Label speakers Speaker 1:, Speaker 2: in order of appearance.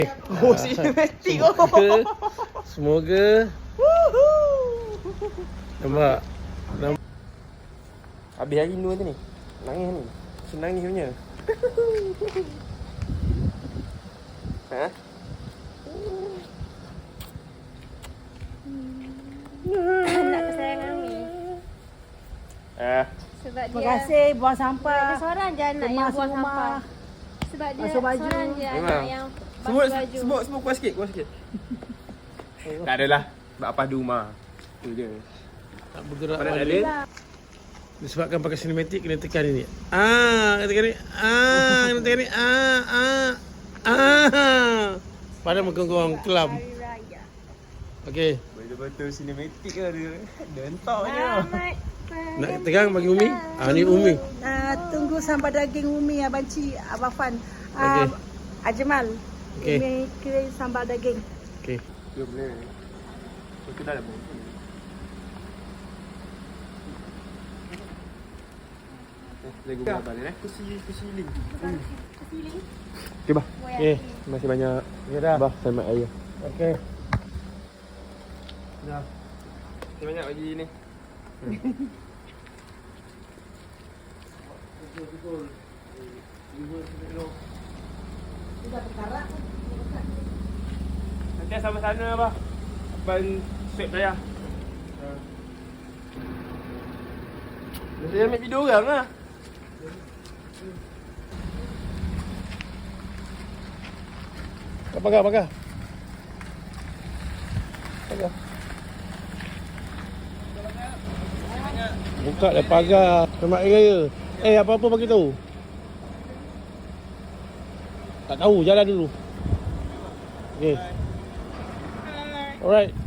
Speaker 1: Oh, sinematik oh.
Speaker 2: Semoga nampak.
Speaker 1: Habis hari ni tu ni. Nangis ni. Senang ni punya. Ha?
Speaker 3: Nak kesayangan ni. Sebab
Speaker 4: Terima
Speaker 3: dia
Speaker 4: kasih buang sampah.
Speaker 3: dia seorang je anak yang
Speaker 4: Kemas
Speaker 3: buang
Speaker 4: rumah.
Speaker 3: sampah. Sebab dia
Speaker 4: Basuh baju.
Speaker 3: seorang je anak
Speaker 1: Memang.
Speaker 3: yang
Speaker 1: Sebut,
Speaker 3: basuh baju.
Speaker 1: sebut kuat sikit, kuat sikit. Tak adalah. Sebab apa di rumah. Tu je.
Speaker 2: Tak bergerak
Speaker 1: Mana
Speaker 2: balik.
Speaker 1: Alin?
Speaker 2: Disebabkan pakai sinematik kena tekan ini. Kena tekan ni. Kena tekan ni. Padahal muka korang kelam.
Speaker 3: Hari Raya.
Speaker 2: Okey.
Speaker 1: Betul-betul sinematik ke dia. Dentak je.
Speaker 3: Selamat
Speaker 2: Nak tekan bagi Umi? Ni Umi.
Speaker 4: Tunggu sambal daging Umi, Abang Cik, Abang Fan.
Speaker 2: Okey.
Speaker 4: Ajmal.
Speaker 2: Okey.
Speaker 4: Umi kirim sambal daging.
Speaker 2: Okey.
Speaker 1: Dia boleh. Itu dah dah. Lagi gambar ni kursi link. Okey bah.
Speaker 2: Okey.
Speaker 1: Terima kasih banyak.
Speaker 2: Ya dah.
Speaker 1: Bah, selamat raya.
Speaker 2: Okey.
Speaker 1: Dah. Terima banyak bagi ni. Nanti sama sana bah. Abang swab saya. Saya ambil video orang lah.
Speaker 2: Pagar. Pagar. Buka dah pagar. Selamat Hari Raya. Apa-apa bagi tahu. Tak tahu, jalan dulu. Okey. Alright.